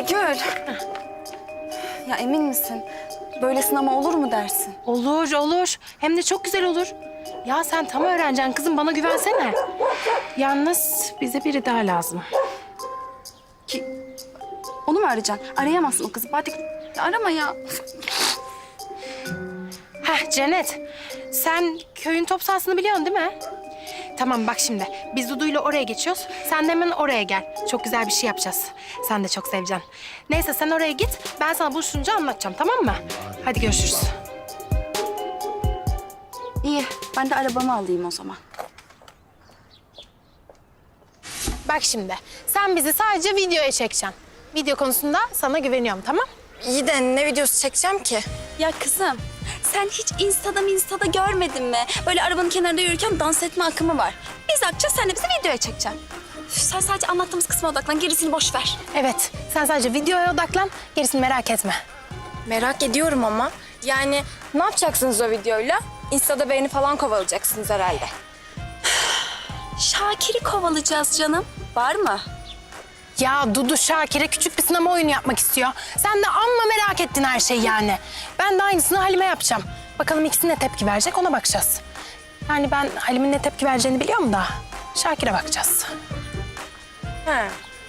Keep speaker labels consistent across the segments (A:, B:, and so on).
A: Gül. Ya emin misin? Böyle sınama olur mu dersin?
B: Olur, olur. Hem de çok güzel olur. Ya sen tam öğreneceksin kızım, bana güvensene. Yalnız bize biri daha lazım.
A: Onu mu arayacaksın? Arayamazsın o kızı. Hadi arama ya.
B: Heh Cennet, sen köyün top sahasını biliyorsun değil mi? Tamam bak şimdi, biz Dudu'yla oraya geçiyoruz. Sen de hemen oraya gel. Çok güzel bir şey yapacağız. Sen de çok seveceksin. Neyse sen oraya git, ben sana buluşunca anlatacağım, tamam mı? Hadi görüşürüz.
A: İyi. Ben de arabamı alayım o zaman.
B: Bak şimdi, sen bizi sadece videoya çekeceksin. Video konusunda sana güveniyorum, tamam?
C: İyi de ne videosu çekeceğim ki?
A: Ya kızım, sen hiç Insta'da görmedin mi? Böyle arabanın kenarında yürürken dans etme akımı var. Biz akacağız, sen de bizi videoya çekeceksin. Üf, sen sadece anlattığımız kısma odaklan, gerisini boş ver.
B: Evet, sen sadece videoya odaklan, gerisini merak etme.
C: Merak ediyorum ama. Yani ne yapacaksınız o videoyla? Insta'da beğeni falan kovalayacaksınız herhalde.
A: Şakir'i kovalayacağız canım. Var mı?
B: Ya Dudu Şakir'e küçük bir sinema oyunu yapmak istiyor. Sen de amma merak ettin her şeyi yani. Ben de aynısını Halime yapacağım. Bakalım ikisi ne tepki verecek, ona bakacağız. Yani ben Halim'in ne tepki vereceğini biliyorum da Şakir'e bakacağız.
C: He.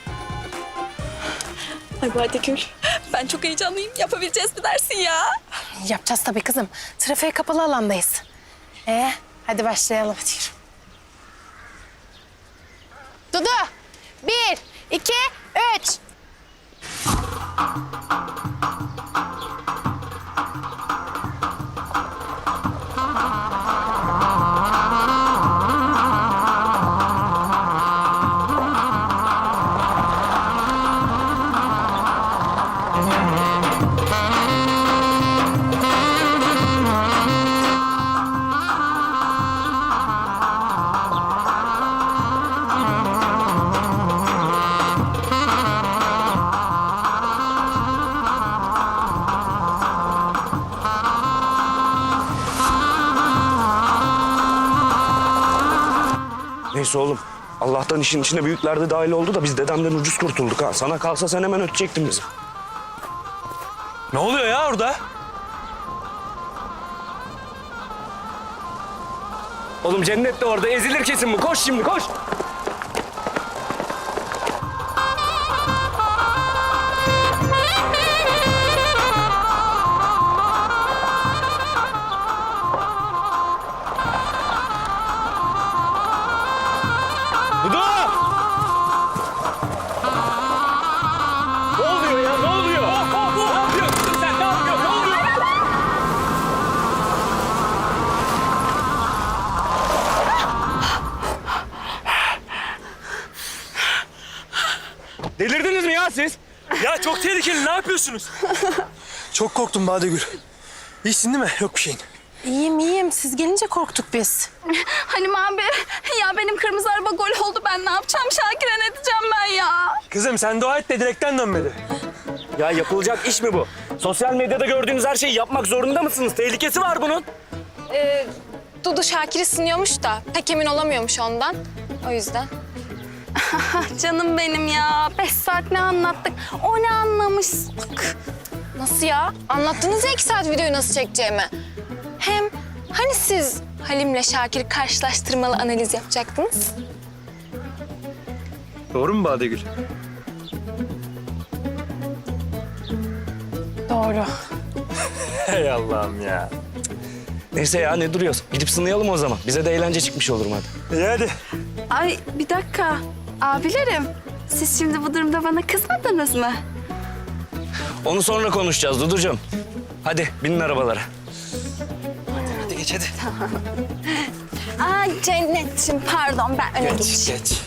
A: Ay hadi Gül. Ben çok heyecanlıyım. Yapabileceğiz mi dersin ya?
B: Yapacağız tabii kızım. Trafiğe kapalı alandayız. Hadi başlayalım. Hadi yürü. Dudu, 1, 2, 3.
D: Neyse oğlum. Allah'tan işin içine büyükler de dahil oldu da biz dedemden ucuz kurtulduk ha. Sana kalsa sen hemen ötecektin bizi.
E: Ne oluyor ya orada?
D: Oğlum Cennet de orada ezilir kesin bu. Koş şimdi koş.
E: Dudu! Ne oluyor ya? Ne oluyor? Ne yapıyorsun sen? Ne yapıyorsun? Ne oluyor?
D: Delirdiniz mi ya siz?
E: Ya çok tehlikeli. Ne yapıyorsunuz?
F: Çok korktum Badegül. İyisin değil mi? Yok bir şeyin.
B: İyiyim, iyiyim. Siz gelince korktuk biz.
A: Halim abi, ya benim kırmızı araba gol oldu. Ben ne yapacağım? Şakir'e ne diyeceğim ben ya?
F: Kızım sen dua et de direkten dönmedi.
D: Ya yapılacak iş mi bu? Sosyal medyada gördüğünüz her şeyi yapmak zorunda mısınız? Tehlikesi var bunun.
C: Dudu Şakir'i sınıyormuş da pek emin olamıyormuş ondan. O yüzden.
A: Canım benim ya. 5 saat ne anlattık? O ne anlamış?
C: Nasıl ya? Anlattınız ya 2 saat videoyu nasıl çekeceğimi. Hem hani siz Halim'le Şakir'i karşılaştırmalı analiz yapacaktınız?
F: Doğru mu Badegül?
B: Doğru.
E: Hey Allah'ım ya.
D: Neyse ya ne duruyoruz? Gidip sınayalım o zaman. Bize de eğlence çıkmış olur hadi.
F: İyi hadi.
A: Ay bir dakika. Abilerim, siz şimdi bu durumda bana kızmadınız mı?
D: Onu sonra konuşacağız Duducuğum. Hadi binin arabalara.
F: Hadi geç hadi.
A: Ay Cennetciğim pardon ben öne geçeyim.
F: Geç.